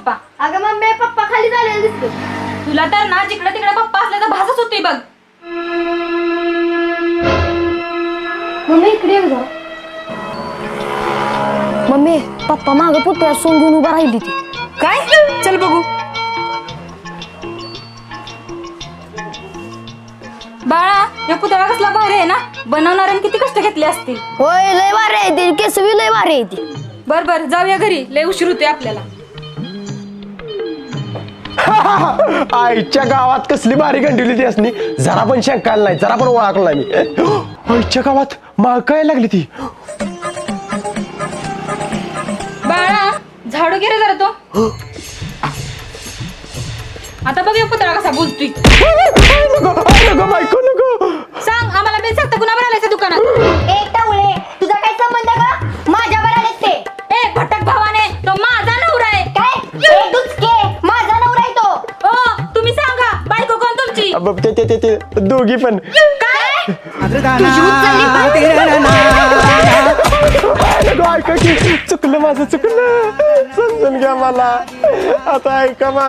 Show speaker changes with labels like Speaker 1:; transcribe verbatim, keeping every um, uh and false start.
Speaker 1: पप्पा.
Speaker 2: अगं mummy papa खाली झालेला दिसतो.
Speaker 1: तुला तर ना जिकडे तिकडे पप्पा असले तर भासच होती बघ.
Speaker 2: मम्मी इकडे ये गं. मम्मी पप्पा मागं पुतळ्या सोंग घेऊन उभा राहिली ती.
Speaker 1: काय? चल बघू. बाळा या पुतळा कसला भारी आहे ना, बनवणाऱ्याने किती कष्ट घेतले असतील.
Speaker 2: होय लय भारी आहे ती, केसवी लय भारी आहे ती.
Speaker 1: बर बर जाऊया घरी, लय उशीर होतोय आपल्याला.
Speaker 3: आईच्या गावात कसली भारी गंडवली ती असणी, जरा पण शंकायला नाही, जरा पण ओळखला मी. आईच्या गावात माग काय लागली ती.
Speaker 1: बाळा झाडू घे रे जरा तो. आता बघ या पुतळा कसा बोलतोय.
Speaker 3: बायको नको
Speaker 1: सांग आम्हाला बिल सांगता कुणावर आलायचं दुकानात.
Speaker 2: ए टावळे तुझा काय संबंध का माझ्या बरोबर ते.
Speaker 1: ए भटक भावाने, तो माझा नवरा आहे.
Speaker 2: काय ए दुचके माझा नवरा आहे तो.
Speaker 1: ओ तुम्ही सांगा बायको कोण तुमची.
Speaker 3: अब ते ते- ते ते दोघी पण.
Speaker 1: काय?
Speaker 2: तुझी उचलली
Speaker 3: ऐका की चुकलं माझं चुकलं, समजून घ्या मला. आता ऐका मा